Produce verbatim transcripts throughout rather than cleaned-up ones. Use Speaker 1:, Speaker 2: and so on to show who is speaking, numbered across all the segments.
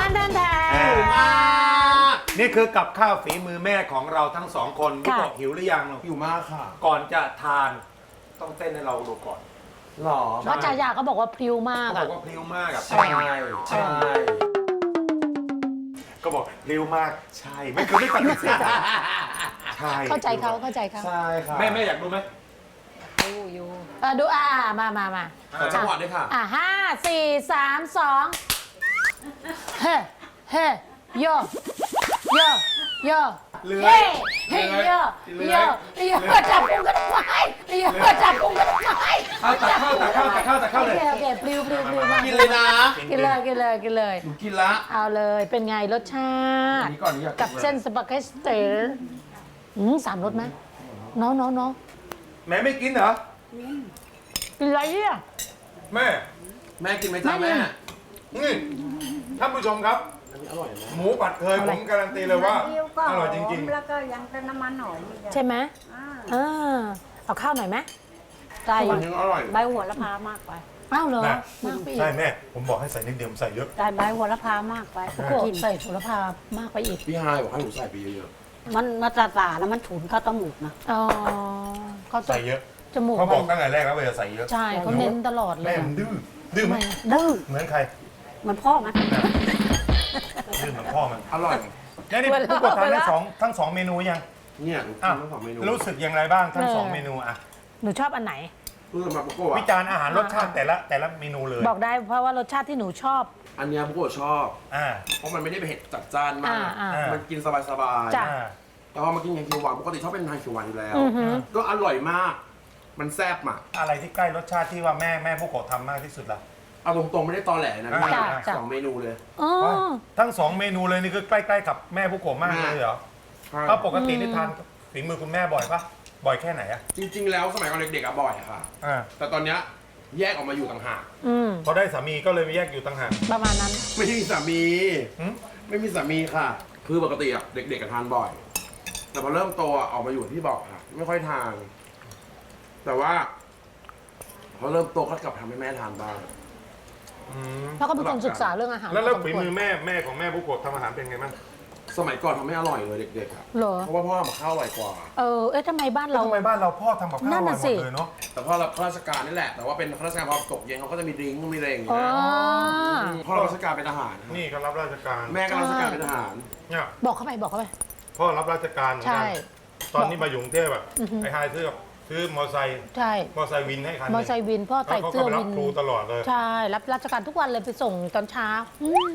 Speaker 1: นแทนแทน
Speaker 2: นี่คือกับข้าวฝีมือแม่ของเราทั้งสองคนพี่บอกหิวหรือยัง
Speaker 3: หิวมากค่ะ
Speaker 2: ก่อนจะทานต้องเต้นให้เราดูก่อน
Speaker 3: หรอ
Speaker 1: เพราะจ่ายาก็บอกว่าพริ้วมาก
Speaker 2: เขาบ
Speaker 1: อะ
Speaker 2: อกว่าพริ้วมากอะ
Speaker 3: ใช่ใช่
Speaker 2: ก็บอกพริ้วมากใช่ไม่เคยไม่ปฏิเสธใช่
Speaker 1: เข้าใจเขาเข้าใจเขา
Speaker 3: ใช่ค่ะ
Speaker 2: แม่แม่อยากดูไหม
Speaker 1: ดูอยู่เออดูอ่ามามามา
Speaker 3: ขอจังหวะด้วยค่ะ
Speaker 1: อ่ะห้าสี่สามสองเฮ้เฮ้โยโยโยเฮ้เฮ้โยโยโยจับพุงกันทำไมโยจับพุงกันทำไม
Speaker 2: เอาตักเข้าตักเข้าตักเข้าตักเข้า
Speaker 1: โอ
Speaker 2: เลย
Speaker 1: เคโอเคปลิวปลิวปลิวมาก
Speaker 3: กินเลยนะ
Speaker 1: กินเลยกินเลยกินเลย
Speaker 3: หนูกินละ
Speaker 1: เอาเลยเป็นไงรสชา
Speaker 3: อัน
Speaker 1: ติ
Speaker 3: นี้ก่อนนี้อยากกิน
Speaker 1: กับเส้นสปาเกตตี้อืมสามรสไหมน้องน้องน้อง
Speaker 2: แม่ไม่กินเหรอ
Speaker 1: กินอะไรเนี่ย
Speaker 2: แม่
Speaker 3: แม่กินไหมจ๊ะ
Speaker 1: แม่
Speaker 3: แม่
Speaker 2: นี่ท่านผู้ชมครับ
Speaker 3: อันนี้อร่อยนะ
Speaker 2: หมูผัดเคยผมการันตีเลยว่า
Speaker 4: เดียวก็
Speaker 2: อร่อยจริง
Speaker 4: แล้วก็ยังเป็นน้ำมันหอมอีกอะ
Speaker 1: ใช่ไหม
Speaker 4: อ่า
Speaker 1: เออเอาข้าวหน่อยไหมใส่
Speaker 3: อันนี้อร่อย
Speaker 4: ใบโหัวละพามากไป
Speaker 1: อ้าวเหรอ
Speaker 2: ๆนะ
Speaker 1: มากไปอี
Speaker 2: ใช่
Speaker 1: ก
Speaker 2: แม่ผมบอกให้ใส่นิดเดียวผมใส่เยอะ
Speaker 4: ใส่ใบโหัวละพามากไป
Speaker 1: โอ้โหใส่โหระพามากไปอีก
Speaker 3: พี่ฮายบอกให้หนูใส่ไปเยอะ
Speaker 4: มันมาตาตาแล้วมันฉุนเข้าตมูกนะ
Speaker 1: อ๋อเขาจะ
Speaker 2: ใส่เยอะ
Speaker 1: จมูก
Speaker 2: เขาบอก
Speaker 1: มัน
Speaker 2: ตั้งแต่แรกแล้วว่าจะใส่เยอะ
Speaker 1: ใช่เขาเน้นตลอดเล
Speaker 2: แม่
Speaker 1: ย
Speaker 2: มันดื้อดื้อไหม
Speaker 4: ดื้อ
Speaker 2: เหมือนใคร
Speaker 4: เหมันพ่อมัน
Speaker 2: ดื้อเหมือนพ่อมัน
Speaker 3: อร่อย
Speaker 2: แล้วนี่ผู้กดทานทั้งสองทั้งสองเมนูยัง
Speaker 3: เนี่ยหนูกิ
Speaker 2: อ้าวน
Speaker 3: ทั้งสองเมนู
Speaker 2: รู้สึกอย่างไรบ้างทั้งสองเมนูอะ
Speaker 1: หนูชอบอันไหน
Speaker 3: รู้สึกแบบโกโก้
Speaker 2: วิจารณ์อาหารรสชาติแต่ละแต่ละเมนูเลย
Speaker 1: บอกได้เพราะว่ารสชาติที่หนูชอบ
Speaker 3: อันเนี้ยโกโก้ชอบ
Speaker 2: อ่า
Speaker 3: เพราะมันไม่ได้เผ็ดจัดจ้านมาก
Speaker 1: อ่าอ่า
Speaker 3: มันกินสบาย
Speaker 1: จ้ะ
Speaker 2: อ่า
Speaker 3: ๆแต่พอมากินอย่างเขียวหวานปกติชอบเป็นทานเขียวหวานอยู่แล้ว
Speaker 1: อือหือ
Speaker 3: ก็อร่อยมาก มันแซ่บอ่ะ
Speaker 2: อะไรที่ใกล้รสชาติที่ว่าแม่แม่ผู้กดทำมากที่สุดล่ะ
Speaker 3: เอาตรงๆไม่ได้ตอแหลนะพี่
Speaker 2: จ้ะ
Speaker 1: จ้ะ
Speaker 3: สองเมนูเลย
Speaker 1: อ๋อ
Speaker 2: ทั้งสองเมนูเลยนี่คือใกล้ๆกับแม่ผู้กดมากเลยเหรอถ้าปกตินี่ทานฝีมือคุณแม่บ่อยปะบ่อยแค่ไหนอะ
Speaker 3: จริง ๆ แล้วสมัยก่อนเด็กๆอะบ่อยอะค่ะ
Speaker 2: อ่า
Speaker 3: แต่ตอนเนี้ยแยกออกมาอยู่ต่างหาก
Speaker 1: อืม
Speaker 2: พอได้สามีก็เลยไปแยกอยู่ต่างหาก
Speaker 1: ประมาณนั้น
Speaker 3: ไม่มีสามี
Speaker 2: หืม
Speaker 3: ไม่มีสามีค่ะ คือปกติอะเด็กๆกับทานบ่อย แต่พอเริ่มโตอะออกมาอยู่ที่บอกค่ะ ไม่ค่อยทาน แต่ว่าพอเริ่มโตก็กลับทำให้แม่ทานบ้าง
Speaker 2: อืม
Speaker 1: แล้วก็เป็นคนศึกษาเรื่องอาหาร
Speaker 2: แล้วแล้ว
Speaker 1: พส
Speaker 2: ฝี
Speaker 1: ควร
Speaker 2: มือแม่แม่ของแม่ผู้กดทำอาหารเป็นไงบ้าง
Speaker 3: สมัยก่อนทำไม่อร่อยเลยเด็กๆอะ
Speaker 1: เหรอ
Speaker 3: เพราะว่าพ่อทำกับข้าวอร่อยกว่า
Speaker 1: เออเอ๊ะทำไมบ้านเรา
Speaker 2: ทำไมบ้านเราพ่อทำกับข้าวอ
Speaker 1: นั่น
Speaker 2: ร่อ
Speaker 1: น่ะ
Speaker 2: ยห
Speaker 1: สิ
Speaker 2: มดเลยเนาะ
Speaker 3: แต่พ่อรับข้าราชการนี่แหละ แต่ว่าเป็นข้าราชการพอตกเย็นเขาก็จะมีดริ้งก์มีอะไรอย่าง
Speaker 1: อ๋
Speaker 3: เงี้
Speaker 1: อย
Speaker 3: พ่อรับราชการเป็นทหาร
Speaker 2: นี่ก็รับราชการ
Speaker 3: แม่ก็รับราชการเป็นทหาร
Speaker 2: เนี่ย
Speaker 1: บอกเข้าไปบอกเข้าไป
Speaker 2: พ่อรับราชการเหมือน
Speaker 1: ใช่
Speaker 2: กันตอนนี้มาอยู่กรุงเทพอะ
Speaker 1: อือฮึ
Speaker 2: ไอ้ไฮซื้อซื้อมอไซค์
Speaker 1: ใช่
Speaker 2: มอไซค์วินให้คันห
Speaker 1: มอ
Speaker 2: นึ่ง
Speaker 1: ไซค์วินพ่อใส่
Speaker 2: แล้วเขา
Speaker 1: เสื้
Speaker 2: ก็
Speaker 1: อ
Speaker 2: ไปรั
Speaker 1: วิ
Speaker 2: บ
Speaker 1: น
Speaker 2: ครูตลอดเลย
Speaker 1: ใช่รับราชการทุกวันเลยไปส่งตอนเช้าอืม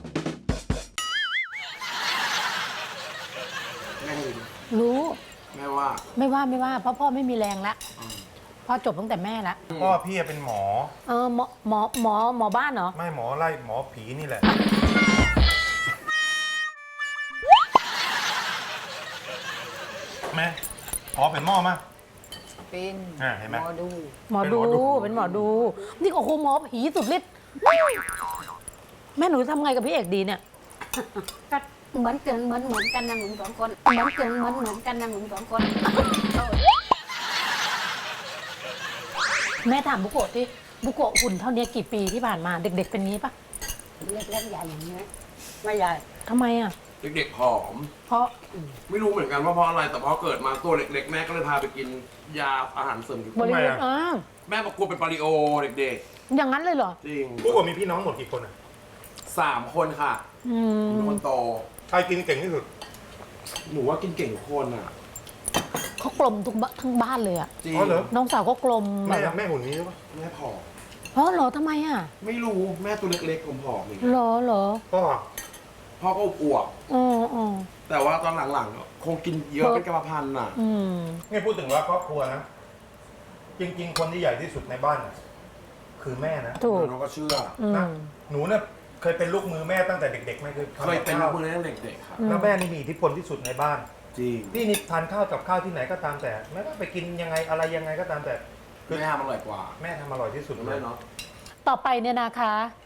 Speaker 3: แม่ให้ดู
Speaker 1: รู้
Speaker 3: แม่ว่า
Speaker 1: ไม่ว่าไม่ว่าเพราะพ่อไม่มีแรงแล้วพ่อจบตั้งแต่แม่แล้ว
Speaker 2: พ่อพี่เป็นหมอ
Speaker 1: เออหมอหมอหมอหมอบ้านเหรอ
Speaker 2: ไม่หมอไล่หมอผีนี่แหละ แม่ขอเป็นหม้อมา
Speaker 4: เป็น
Speaker 2: อ่าเห็นไหม
Speaker 4: หมอดู
Speaker 1: หมอดู
Speaker 2: เป็นหมอดู
Speaker 1: เป็นหมอดู นี่โอ้โหหมอผีสุดฤทธิ์แม่หนูทำไงกับพี่เอกดีเนี่ย
Speaker 4: ก็เหมือนกันเหมือนเหมือนกันนะหมึงสองคนเหมือนกันเหมือนเหมือนกันนะหมึงสองคน
Speaker 1: แม่ถามบุโกะที่บุโกะหุ่นเท่านี้กี่ปีที่ผ่านมาเด็ก ๆ เป็นงี้ปะ
Speaker 4: เล็กๆใหญ่อย่างนี้ยไม่ใหญ่
Speaker 1: ทำไมอ่ะ
Speaker 3: เด็กๆผอม
Speaker 1: เพราะ
Speaker 3: ไม่รู้เหมือนกันว่าเพราะอะไร แต่พอเกิดมาตัวเล็กๆ แม่ก็เลยพาไปกินยาอาหารเสริม
Speaker 1: บริเวณ
Speaker 2: ทำไมอะ
Speaker 1: อ่า
Speaker 3: แม่บอกกลัวเป็นปาริโอเด็ก
Speaker 1: อย่างนั้นเลยเหรอ
Speaker 3: ๆ จริง
Speaker 2: ผู้กดมีพี่น้องหมดกี่คนอ่ะ
Speaker 3: สามคนค่ะ
Speaker 1: อื
Speaker 3: หนู
Speaker 1: ม
Speaker 3: คนโต
Speaker 2: ใครกินเก่งที่สุด
Speaker 3: หนูว่ากินเก่งทุกคนอ่ะ
Speaker 1: เขากลมทุกบ้านทั้งบ้านเลยอ่ะ
Speaker 3: จริง
Speaker 2: อ๋อเหรอ
Speaker 1: น้องสาวก็กลมแบ
Speaker 2: แม่
Speaker 1: บว่า
Speaker 2: แม่หุ่นนี้หรือเปล่า
Speaker 3: แม่ผอม
Speaker 1: เพราะเหรอทำไมอ่ะ
Speaker 3: ไม่รู้แม่ตัวเล็กๆผมผอมอย่าง
Speaker 1: เห
Speaker 3: เงี้ย
Speaker 1: รอเหรอ
Speaker 2: พ่อ
Speaker 3: พ่อก็อวบ
Speaker 1: อ๋ออ๋อ
Speaker 3: ๆแต่ว่าตอนหลังๆ คงกินเยอะเป็นกรรมพันธุ์อ่ะ
Speaker 1: อืม
Speaker 2: นี่พูดถึงว่าครอบครัวนะ จริง ๆ คนที่ใหญ่ที่สุดในบ้านน่ะคือแม่นะ
Speaker 1: ถูก
Speaker 3: น้องก็เชื่อ
Speaker 1: อื
Speaker 2: นะ
Speaker 1: ม
Speaker 2: หนูเนี่ยเคยเป็นลูกมือแม่ตั้งแต่เด็กๆไหมคือทำ
Speaker 3: เคย
Speaker 2: กับ
Speaker 3: เป็น
Speaker 2: ข้าว
Speaker 3: มือตั้งแต่เด็กๆครับ
Speaker 2: แล้วแม่นี่มีอิทธิพลที่สุดในบ้าน
Speaker 3: จริง
Speaker 2: นี่นี่ทานข้าวกับข้าวที่ไหนก็ตามแต่แม่ก็ไปกินยังไงอะไรยังไงก็ตามแต่คือ
Speaker 3: แม่ทำอร่อยกว่า
Speaker 2: แม่ทำอร่อยที่สุดเล
Speaker 3: แม่
Speaker 2: ย
Speaker 3: เนาะ
Speaker 1: ต่อไปเนี่ยนะคะ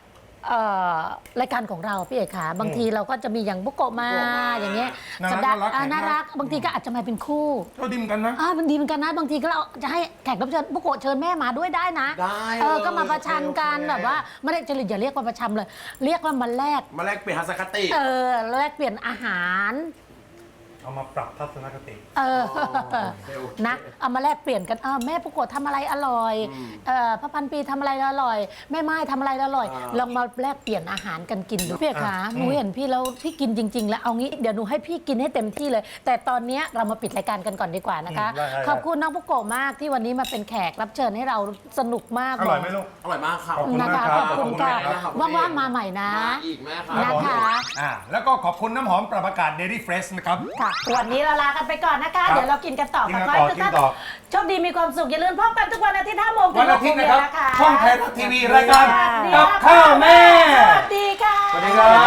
Speaker 1: เอ่อรายการของเราพี่เอกขาบางทีเราก็จะมีอย่างบุโกะมาอย่างเงี้ย
Speaker 2: น่ารัก
Speaker 1: สัปดาห์
Speaker 2: น่ารัก
Speaker 1: อ่า
Speaker 2: แขก
Speaker 1: น่ารักบางทีก็อาจจะมาเป็นคู่
Speaker 2: เท่าดิมกันนะ
Speaker 1: อ่ามันดีเหมือนกันนะบางทีก็เราจะให้แขกรับเชิญบุโกะเชิญแม่มาด้วยได้นะ
Speaker 3: ได้
Speaker 1: เออ
Speaker 3: เลย
Speaker 1: ก็มาประชันกัน
Speaker 3: โอเค
Speaker 1: แบบว่าไม่ได้จะอย่าเรียกว่าประชันเลย เรียกว่ามาแลก
Speaker 3: มาแลกเปลี่ยนทัศนคติ
Speaker 1: เออแลกเปลี่ยนอาหาร
Speaker 2: เอามาปรับทัศนคติ
Speaker 1: เออ
Speaker 3: โอเคโอเค
Speaker 1: นะเอามาแลกเปลี่ยนกันเออแม่ปุโกะทำอะไรอร่อย
Speaker 3: อืม
Speaker 1: เออพระพันปีทำอะไรอร่อย แม่ไม้ทำอะไรอร่อย
Speaker 3: อ่า
Speaker 1: ลองมาแลกเปลี่ยนอาหารกันกินดูพี่เอกขาหนูเห็นพี่แล้วพี่กินจริง ๆ แล้วเอางี้เดี๋ยวหนูให้พี่กินให้เต็มที่เลย แต่ตอนเนี้ยเรามาปิดรายการกันก่อนดีกว่านะคะ
Speaker 2: อืมได้ได้
Speaker 1: ขอบคุณน้องปุโกะมากที่วันนี้มาเป็นแขกรับเชิญให้เราสนุกมาก
Speaker 2: อร่อยไหมลูก
Speaker 3: อร่อยมากครับ
Speaker 2: ขอบคุณ
Speaker 1: นะ
Speaker 2: มาก
Speaker 1: คะ
Speaker 2: รับ
Speaker 1: ขอบคุณ
Speaker 2: ขอบ
Speaker 1: ค่ะ
Speaker 2: คุณมากครับ
Speaker 1: ว่างๆมาใหม่นะ
Speaker 3: มาอีกแม่ครั
Speaker 1: นะ
Speaker 3: บ
Speaker 1: คะ
Speaker 2: อ่าแล้วก็ขอบคุณน้ำหอมปรับอากาศ Daily Fresh นะครับ
Speaker 1: ค่ะวันนี้เราลากันไปก่อนนะคะ
Speaker 2: ครับ
Speaker 1: เดี๋ยวเรากินกันต่อ
Speaker 2: กินกัน
Speaker 1: ข
Speaker 2: ต่อ
Speaker 1: ให้ทุก
Speaker 2: กิน
Speaker 1: ท่าน
Speaker 2: ต่อ
Speaker 1: โชคดีมีความสุขอย่าลืมพบกันทุกวันอาทิตย์ห้าโมง
Speaker 2: วันอาทิตย์นะครับ
Speaker 1: ถึงหกโมงเย็น
Speaker 2: ช่องไทยรัฐทีวีรายการ
Speaker 1: ดี
Speaker 2: กับ
Speaker 1: ค่ะ
Speaker 2: ข้าวแม่
Speaker 1: สวัสดีค่ะ
Speaker 2: สวัสดีครับ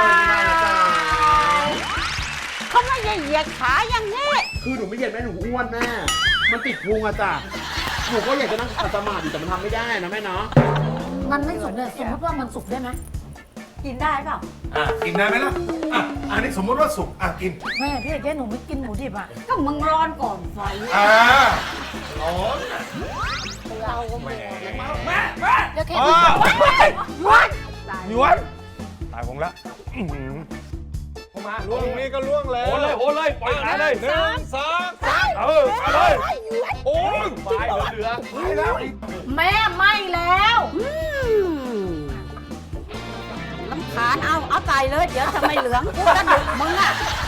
Speaker 4: เขาไม่ได้เหยียดขาอย่างนี้
Speaker 3: คือหนูไม่เย็นแม่หนูอ้วนแม่ มันติดพุงอะจ้ะหนูก็อยากจะนั่งขัดสมาธิแต่มันทำไม่ได้นะแม่เนาะ
Speaker 1: มันไม่สุกเลยสมมติว่ามันสุกได้ไหม
Speaker 4: กินได้เปล่า
Speaker 2: อ่ะกินได้ไหมล่ะอ่ะอันนี้สมมติว่าสุกอ่ะกิน
Speaker 1: แม่พี่เอกหนูไม่กินหมูดิบอ่ะ
Speaker 4: ก็มึงร้อนก่อนไฟ
Speaker 2: อ่าร้อน
Speaker 4: เราก็ไม่
Speaker 2: แม่แม่
Speaker 1: เดี๋ยวแค่
Speaker 2: อ่า
Speaker 1: นี้
Speaker 2: หยวนตายผมละอื้อหือมาล่วงนี่ก็ล่วงแล้วโอ้เลยโอ้เลยปล่อยขาเลยหนึ่งสองสามเออเอาเลยโอ้ยไปเหลือไปแล้ว
Speaker 1: แม่ไม่แล้ว
Speaker 4: ลำคาญเอา เอาใส่เลย เดี๋ยวทำไมเหลืองกูกระดูกมึงอ่ะ